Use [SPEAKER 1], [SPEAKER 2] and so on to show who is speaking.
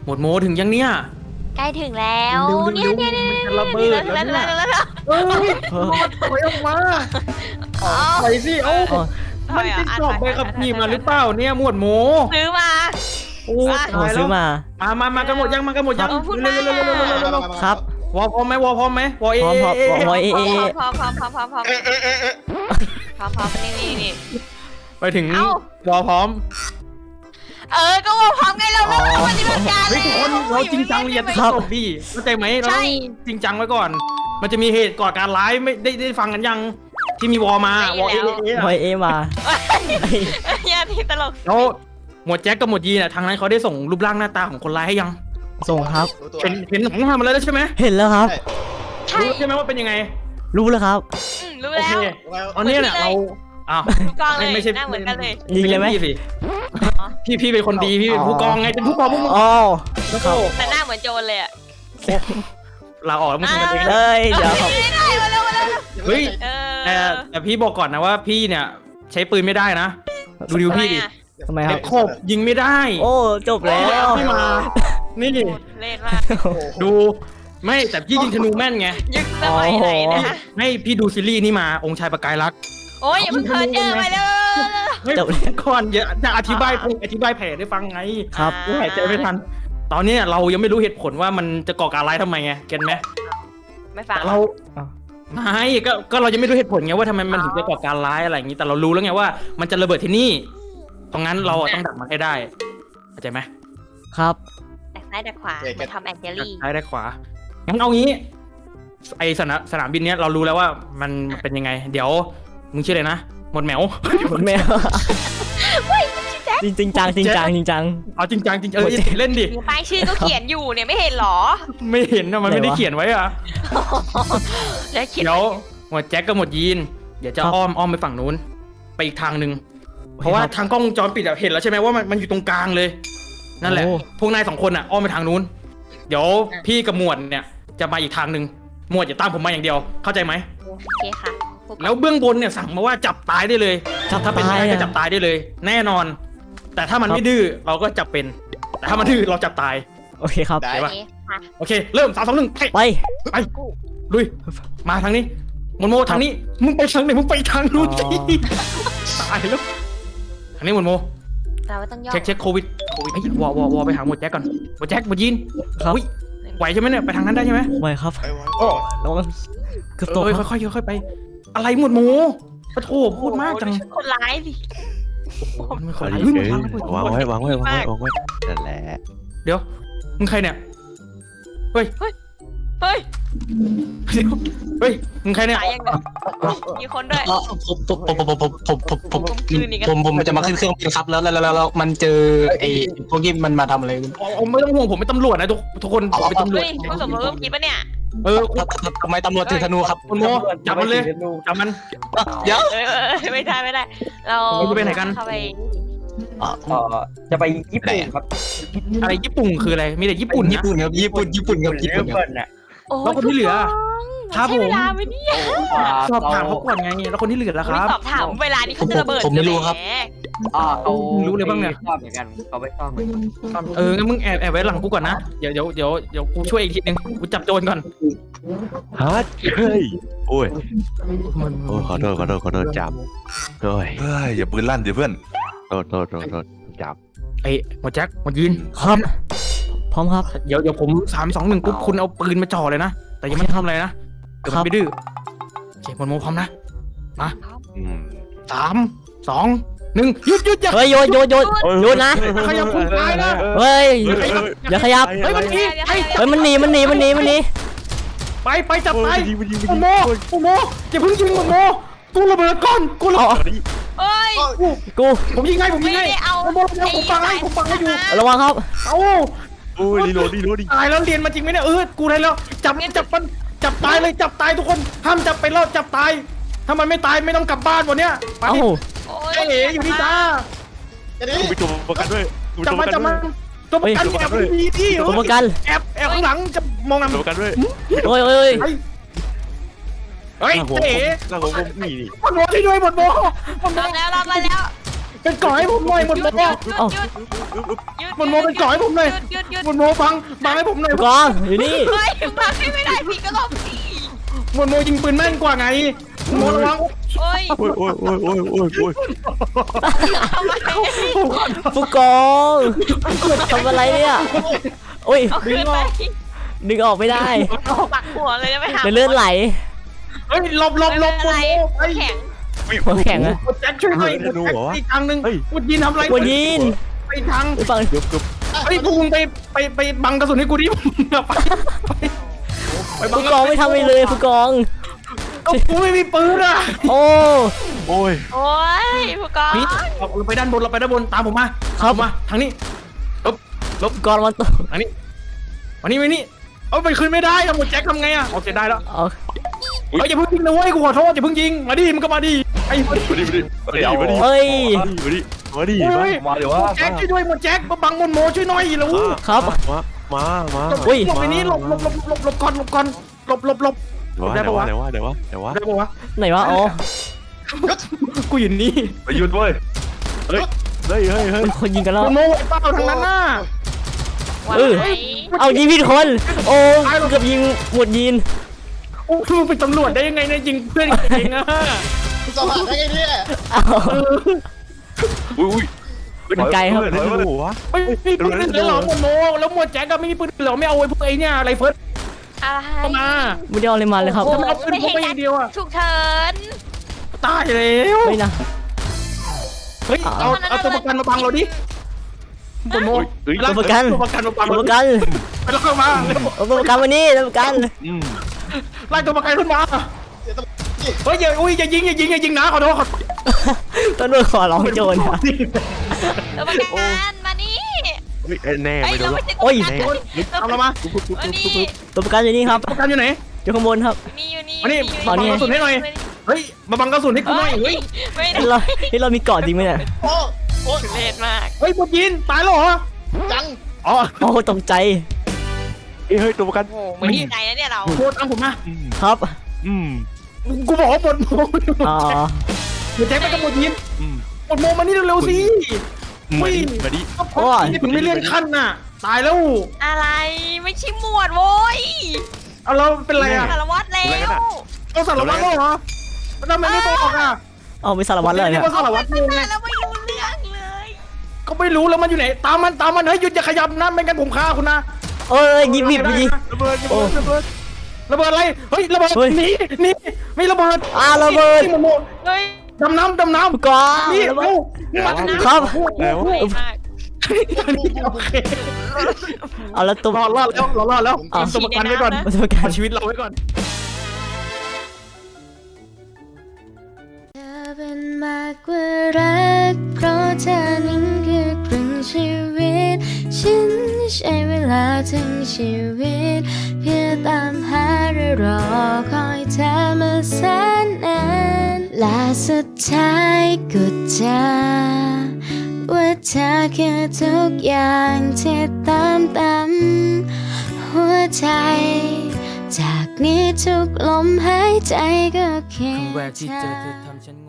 [SPEAKER 1] หมวดโมถึงยังเนี่ย
[SPEAKER 2] ใกล้ถึงแล้วเนี่ย
[SPEAKER 1] มันจะระเบิดแล้วเนี่ยเฮ้ยถอยออกมาถอยสิมันติดสอบใบขับขี่มาหรือเปล่าเนี่ยหมวดโม
[SPEAKER 2] ซื้อมา
[SPEAKER 1] โอ้
[SPEAKER 3] ซื้อมา
[SPEAKER 1] มากันหมดยังมากันหมดยัง
[SPEAKER 2] เร็
[SPEAKER 1] ว
[SPEAKER 3] ครับ
[SPEAKER 1] วอพร้อมไหมวอพร้อมไหมวอเอ
[SPEAKER 3] พร้อม
[SPEAKER 2] พร้อมนี่
[SPEAKER 1] ไปถึงวอพร้อม
[SPEAKER 2] ก็ว่าพร้อมไงเราไม่ต้องปฏิบัติการเลย
[SPEAKER 1] ทุกคนเราจริงจังเรียนจบดิเข้าใจไหมเราต้องจริงจังไว้ก่อนมันจะมีเหตุก่อการร้ายไม่ได้ฟังกันยังที่มีวอมาวอ
[SPEAKER 3] เอมา
[SPEAKER 2] อย่าทีตลก
[SPEAKER 1] แล้วหมวดแจ็คกับหมวดยีน่ะทางนั้นเขาได้ส่งรูปร่างหน้าตาของคนร้ายให้ยัง
[SPEAKER 3] ส่งครับ
[SPEAKER 1] เห็นของมาแล้วใช่ไหม
[SPEAKER 3] เห็นแล้วครับ
[SPEAKER 1] รู้ใช่ไหมว่าเป็นยังไง
[SPEAKER 3] รู้แล้วครับ
[SPEAKER 2] รู้แล้ว
[SPEAKER 1] ตอนนี้เนี่ยเรา
[SPEAKER 2] กองเลยไม่ใช่เหมือนกันเลย
[SPEAKER 3] ยิงเลยไหม
[SPEAKER 1] พี่เป็นคนดีพี่เป็นผู้กองไงเป็นผู้กองพวกมึง
[SPEAKER 2] แต่หน้าเหมือนโจรเลยอ่ะ
[SPEAKER 1] ลาออกแล้วมึงทำกันเอง
[SPEAKER 3] เลยเดี๋ยว
[SPEAKER 1] เฮ้ยแต่พี่บอกก่อนนะว่าพี่เนี่ยใช้ปืนไม่ได้นะดูพี่ดิ
[SPEAKER 3] ทำไมครับ
[SPEAKER 1] โคบยิงไม่ได้
[SPEAKER 3] โอ้จบแล้ว
[SPEAKER 1] พี่มานี่
[SPEAKER 2] เล่นมาก
[SPEAKER 1] ดูไม่แต่พี่ยิงธนูแม่นไง
[SPEAKER 2] ยึดสมัยไหนนะ
[SPEAKER 1] ให้พี่ดูซีรีส์นี่มาองค์ชายประกายรัก
[SPEAKER 2] โอ้ยอย่าเพิ่งเจอไปเลย
[SPEAKER 1] จบก่อนจะอธิบายแผลได้ฟังไง
[SPEAKER 3] ครับ
[SPEAKER 1] หายใจไม่ทันตอนนี้เรายังไม่รู้เหตุผลว่ามันจะก่อการร้ายทำไมไงเก็ตไหม
[SPEAKER 2] ไม่ฟัง
[SPEAKER 1] เราไม่ก็เรายังไม่รู้เหตุผลไงว่าทำไมมันถึงจะก่อการร้ายอะไรอย่างนี้แต่เรารู้แล้วไงว่ามันจะระเบิดที่นี่ตรงนั้นเราต้องดักมันให้ได้เข้าใจไหม
[SPEAKER 3] ครับ
[SPEAKER 2] ดักซ้ายดักขวามาทำแอนเจลี่
[SPEAKER 1] ซ้ายดักขวางั้นเอางี้ไอสนามบินเนี้ยเรารู้แล้วว่ามันเป็นยังไงเดี๋ยวมึงชื่ออะไรนะหมดแมว
[SPEAKER 3] จริงจัง
[SPEAKER 1] เอาจริงจังเล่นดิ
[SPEAKER 2] ป้ายชื่อก็เขียนอยู่เนี่ยไม่เห็นหรอ
[SPEAKER 1] ไม่เห็นนะมันไม่ได้เขียนไว้อะเดี๋ยวหมดแจ็คกับหมดยีนเดี๋ยวจะอ้อมไปฝั่งนู้นไปอีกทางหนึ่งเพราะว่าทางกล้องวงจรปิดเห็นแล้วใช่ไหมว่ามันอยู่ตรงกลางเลยนั่นแหละพวกนาย2คนอ้อมไปทางนู้นเดี๋ยวพี่กับหมวดเนี่ยจะมาอีกทางหนึ่งหมวดจะตามผมมาอย่างเดียวเข้าใจไหม
[SPEAKER 2] โอเคค่ะ
[SPEAKER 1] แล้วเบื้องบนเนี่ยสั่งมาว่าจับตายได้เลยถ้าเป็นได้ก็จับตายได้เลยแน่นอนแต่ถ้ามันไม่ดื้อเราก็จับเป็นแต่ถ้ามันดื้อเราจับตาย
[SPEAKER 3] โอเคครับ
[SPEAKER 1] ได้ปะโอเคเริ่ม3 2 1ไปลุยมาทางนี้โมทางนี้มึงไปทางไหนมึงไปทางนู้นสิตายแล้วทางนี้โม
[SPEAKER 2] เราต้องย่อ
[SPEAKER 1] เช็คโควิดไอ้วอไปหาหมดแจ็คก่อนหมดแจ็คหมดยีน
[SPEAKER 3] ครับ
[SPEAKER 1] ไหวใช่ไหมเนี่ยไปทางนั้นได้ใช่ไหม
[SPEAKER 3] ไหวครับโอ้ระวังเกือบตก
[SPEAKER 1] ค่อยไปอะไรหมดโมปะโถพูดมากจัง
[SPEAKER 2] คนร้ายสิ
[SPEAKER 4] วางไว้นั่นแหละ
[SPEAKER 1] เดี๋ยวมึงใครเนี่ยเฮ้ยมึงใครเนี่ย
[SPEAKER 2] มีคนด้วย
[SPEAKER 5] ผมจะมาขึ้นเครื่องบินครับแล้วมันเจอไอ้พวกนี้มันมาทำอะไร
[SPEAKER 1] ไม่ต้องห่วงผมเป็นตำรวจนะทุกคนเป็นตำรวจ
[SPEAKER 2] คุณสมรู้คิดปะเนี่ย
[SPEAKER 5] ทำไมตำรวจถือธนูครับ
[SPEAKER 1] คุณโมจับมันเลยจับมัน
[SPEAKER 5] เดี๋ยว
[SPEAKER 2] ไม่ได้เรา
[SPEAKER 1] จะไปไหนกัน
[SPEAKER 5] จะไปญี่ปุ่นครับ
[SPEAKER 1] อะไรญี่ปุ่นคืออะไรมีแต่ญี่ปุ่น
[SPEAKER 5] ครับญี่ปุ่น
[SPEAKER 1] น่ะแล้วคนที่เหลือครับผมสอบถามเขาก่อนไงแล้วคนที่เหลือล่ะครับ
[SPEAKER 2] สอบถามเวลานี้เขาจะระเบิด
[SPEAKER 5] ผมไม่รู้ครับ
[SPEAKER 1] เขารู้เลยบ้างเนี่ย
[SPEAKER 5] ชอบเหมือนกันเขาไม่ชอบเหมือน
[SPEAKER 1] กันงั้นมึงแอบไว้หลังกูก่อนนะเดี๋ยวกูช่วยอีกทีนึงกูจับโจรก่อน
[SPEAKER 4] ฮัทเฮ้ยโอ้ยขอโทษจับด้วยอย่าปืนลั่นดิเพื่อนโทษจับ
[SPEAKER 1] ไอ้หมดแจ็คหมดยีน
[SPEAKER 3] ครับพร้อมครับ
[SPEAKER 1] เดี๋ยวผม3 2 1ปุ๊บคุณเอาปืนมาจ่อเลยนะแต่ยังไม่ทำอะไรนะเดี๋ยวไม่ดื้อโอเคหมดโมพร้อมนะมา3 2 1หยุดอย่า
[SPEAKER 3] เฮ้ยโยนนะ
[SPEAKER 1] ขยับคุณตายนะ
[SPEAKER 3] เฮ้ยอย่าขยับ
[SPEAKER 1] มันหนีไปจับไปโมอย่าเพิ่งยิงโมกูระเบิดก่อนกูระเบิดผมยิงให้โมผมฟังให้อยู่
[SPEAKER 3] ระวังครับ
[SPEAKER 4] รีโหลด
[SPEAKER 1] ตายแล้วเรียนมาจริงไหมเนี่ยกูได้แล้วจับมันจับตายเลยจับตายทุกคนห้ามจับไปแล้วจับตายถ้ามันไม่ตายไม่ต้องกลับบ้านวันเนี้ยไปอยู่นี่จ้า
[SPEAKER 4] กูไปตัวประกันด้วย
[SPEAKER 1] จับมันตัวประกันแอบดีที่
[SPEAKER 3] ตัวประกัน
[SPEAKER 1] แอบข้างหลังจะมองนำ
[SPEAKER 4] ตัวประกันด้วย
[SPEAKER 3] โอ้ย
[SPEAKER 1] เฮ้ย
[SPEAKER 4] แล้วผมนี่
[SPEAKER 1] หมดโมที่ด้วยหมดโม
[SPEAKER 2] รับแล้ว
[SPEAKER 1] เป็นก่อให้ผมหน่อยหมดโม
[SPEAKER 3] เอ้า
[SPEAKER 1] หมดโมเป็นก่อให้ผมหน่อย
[SPEAKER 2] หยุด
[SPEAKER 1] หมดโมบังให้ผมหน่อย
[SPEAKER 3] ผู้กองอยู่นี่
[SPEAKER 2] เฮ้ยบังให้ไม่ได้พี่ก็หลบสิ
[SPEAKER 1] หมดโมยิงปืนแม่นกว่าไงหมดระวัง
[SPEAKER 2] โอ้ย
[SPEAKER 4] โอ้ยโอ้ยโอ้ยโอ้ยโอ้ยโอ้ย
[SPEAKER 2] ทำไม
[SPEAKER 3] ผู้กองทำอะไรเนี่ยโอ้ย
[SPEAKER 2] เอาคืนไป
[SPEAKER 3] ดึงออกไม่ได้
[SPEAKER 2] ปักหัวเลยนะไปหา
[SPEAKER 3] เดี๋ยวเลือดไหล
[SPEAKER 1] เฮ้ยหลบหม
[SPEAKER 2] ไม่
[SPEAKER 1] ด
[SPEAKER 2] เป็น
[SPEAKER 1] โม
[SPEAKER 2] ไร
[SPEAKER 1] ไป
[SPEAKER 2] แข็ง
[SPEAKER 3] หัวแข็งอะ
[SPEAKER 1] หมดแจ็คช่วยหน่อยหมดแจ็คอีกทางหนึ่งหมดยินทำอะไร
[SPEAKER 3] หัวยิน
[SPEAKER 1] ไปทาง
[SPEAKER 3] ไปฟัง
[SPEAKER 4] เกือบเกือบ
[SPEAKER 1] เฮ้ยพวกมึงไปบังกระสุนให้กูดิไปบัง
[SPEAKER 3] ผู้กองไม่ทำอะไรเลยผู้กอง
[SPEAKER 1] กูไม่มีปืนอ่ะ
[SPEAKER 3] โอ้
[SPEAKER 4] โอ้ย
[SPEAKER 2] โอ้ยผู้กอง
[SPEAKER 1] นี่เราไปด้านบนเราไปด้านบนตามผมมา
[SPEAKER 3] ครับ
[SPEAKER 1] มาทางนี้
[SPEAKER 3] ผู้กองมันตก
[SPEAKER 1] ทางนี้มานี่เอาไปคืนไม่ได้อะหมดแจ็คทำไงอะโอเคได้แล้ว
[SPEAKER 3] เอา
[SPEAKER 1] เฮ้ยอย่าเพิ่งยิงนะเว้ยกูขอโทษอย่าเพิ่งยิงมาดิมันก็มาดิไอ้
[SPEAKER 4] มาดิมาดิมาดิมาดิ
[SPEAKER 3] เอ้ย
[SPEAKER 4] มาดิมาเดี๋ยวว่า
[SPEAKER 1] แจ็คช่วยด้วยหมดแจ็คมาบังมนโมช่วยหน่อยแล้ว
[SPEAKER 3] ครับ
[SPEAKER 4] มา
[SPEAKER 3] อุ้ย
[SPEAKER 1] หลบไปนี้หลบก่อนหลบได้ปะวะ
[SPEAKER 4] เดี๋ยวว่า
[SPEAKER 1] ได้ปะวะ
[SPEAKER 3] ไหนวะอ๋อ
[SPEAKER 1] กูอยู่นี่
[SPEAKER 4] ไปหยุดเว้ยเฮ้ยเฮ้ยเฮ้ย
[SPEAKER 3] มีคนยิงกันแล้ว
[SPEAKER 1] มนโมเปล่าทางนั้นน่ะ
[SPEAKER 2] ไหว
[SPEAKER 3] เอายิงผิดคน โอ้เกือบยิงหมวดยิน
[SPEAKER 1] โอ้คือเป็นตำรวจได้ยังไงเนี่ยยิงเพื่อนกันเองอะ
[SPEAKER 6] สอบผ่านได้ไงเนี่ย
[SPEAKER 3] เอา
[SPEAKER 4] อุ้ย
[SPEAKER 3] มันไกลครับ
[SPEAKER 4] ไม่รู้วะ
[SPEAKER 1] ไม่มีปืนเลยเหรอมนโมแล้วหมวดแจ็คก็ไม่มีปืนเหรอไม่เอาไอ้พวกไอ้เนี่ยอะไรเฟิร์ส
[SPEAKER 2] อะไร
[SPEAKER 1] เข้ามา
[SPEAKER 3] ไม่ได้เอาอะไรมาเลยครับ
[SPEAKER 1] ทำไมเอาปืนพกไปอย่างเดียวอะ
[SPEAKER 2] ฉุกเฉิน
[SPEAKER 1] ตายแล้ว
[SPEAKER 3] ไม่นะ
[SPEAKER 1] เฮ้ยเอาตัวประกันมาบังเราดิมนโม
[SPEAKER 3] ตัวประกัน
[SPEAKER 1] ตัวประกันมาบัง
[SPEAKER 3] ตัว
[SPEAKER 1] เรา
[SPEAKER 3] ประกัน
[SPEAKER 1] ไปแล้วเข้ามาเร็ว
[SPEAKER 3] เอาตัวประกันมานี่ตัวประกัน
[SPEAKER 1] ไล่ตัวประกันขึ้นมาเฮ้ยอย่ายิงนะขอโทษ
[SPEAKER 3] ตำรวจขอร้องโจรครับ
[SPEAKER 2] ตัวประกันมานี่
[SPEAKER 4] แน่
[SPEAKER 2] ไอ้
[SPEAKER 4] ไม่โด
[SPEAKER 2] เรา
[SPEAKER 4] น
[SPEAKER 2] ไม่ใช่
[SPEAKER 3] โอ้
[SPEAKER 2] ตัวย ประกัน
[SPEAKER 1] เอาเรามา
[SPEAKER 2] มานี่
[SPEAKER 3] ตัวประกันอยู่นี่ครับ
[SPEAKER 1] ตัวประกันอยู่ไหน
[SPEAKER 3] อยู่ข้างบนครับ
[SPEAKER 2] มีอยู่นี่
[SPEAKER 1] มานี่
[SPEAKER 3] ตอนนี้
[SPEAKER 1] บังกระสุนให้หน่อยเฮ้ยมาบังกระสุนให้กูหน่อยเฮ้ย
[SPEAKER 2] ไม่ได้
[SPEAKER 3] เรามีเกาะจริงไหมเนี่ย
[SPEAKER 6] โอ้โอ้
[SPEAKER 2] ทุเรศมาก
[SPEAKER 1] เฮ้ยพวกยินตายแล้วเหรอ
[SPEAKER 6] จัง
[SPEAKER 1] อ๋อ
[SPEAKER 3] โอ้ตกใจ
[SPEAKER 4] เฮ้ยตัวประกัน
[SPEAKER 2] โอ้โหไม่ดีใจนะเนี่ยเรา
[SPEAKER 1] โคตรเอาผมมา
[SPEAKER 3] ครับ
[SPEAKER 1] กูบอกว่าหมดโม
[SPEAKER 3] อ๋อ
[SPEAKER 1] เดี๋ยวแจ็คไปกับหมดยินหมดโมมานี่เร็วๆสิ
[SPEAKER 4] มาดิมาดิ
[SPEAKER 1] โอ้ยถึงไม่เลื่อนขั้นน่ะตายแล้ว
[SPEAKER 2] อะไรไม่ใช่หมวดโว้ย
[SPEAKER 1] เอาเราเป็นไรอ่ะ
[SPEAKER 2] สารวัตรแล้ว
[SPEAKER 1] เราสารวัตรเหรอทำไมไม่บอกอ่ะ
[SPEAKER 3] เอาไม่สารวัตรเลยเนี่ย
[SPEAKER 1] ก็สารวัตร
[SPEAKER 2] ตั้
[SPEAKER 1] ง
[SPEAKER 2] ง
[SPEAKER 1] งไง
[SPEAKER 2] นานแล้วไม่รู้เรื่องเลย
[SPEAKER 1] ก็ไม่รู้แล้วมันอยู่ไหนตามมันเฮ้ยหยุดอย่าขยับนะไม่งั้นผมฆ่าคุณนะ
[SPEAKER 3] เอ้ยยิงผิดยิง
[SPEAKER 1] ระเบิดระเบิดอะไรเฮ้ยระเบิด
[SPEAKER 3] เฮ้ย
[SPEAKER 1] หนีไม่ระเบิด
[SPEAKER 3] ระเบิด
[SPEAKER 1] นี่มันโม
[SPEAKER 2] เฮ้ย
[SPEAKER 1] ดำน้ำ
[SPEAKER 3] ผู้กอง
[SPEAKER 1] นี่
[SPEAKER 3] ระเบิ
[SPEAKER 1] เร็
[SPEAKER 3] ด
[SPEAKER 1] วมาทางนี้
[SPEAKER 3] ครับ
[SPEAKER 4] แล้ว
[SPEAKER 2] เฮ้ยมาก
[SPEAKER 1] โอเค
[SPEAKER 3] เอาแล้วตัว
[SPEAKER 1] รอดแล้วเอาตัวประกันไว้ก่อน
[SPEAKER 3] ตัวประกัน
[SPEAKER 1] เอาชีวิตเราไว้ก่อน
[SPEAKER 7] เธอเป็นมากกว่ารักเพราะเธอนั้นคือครึ่งชีวิต ฉันใช้เวลาทั้งชีวิต เพื่อตามหาและรอคอยเธอมาแสนนานและสุดท้ายก็เจอว่าเธอคือทุกอย่างที่ตามหัวใจ จากนี้ทุกลมหายใจก็เคียง
[SPEAKER 3] แวกที่
[SPEAKER 7] เธ
[SPEAKER 3] เจอ
[SPEAKER 7] อ
[SPEAKER 3] เธอทำฉัน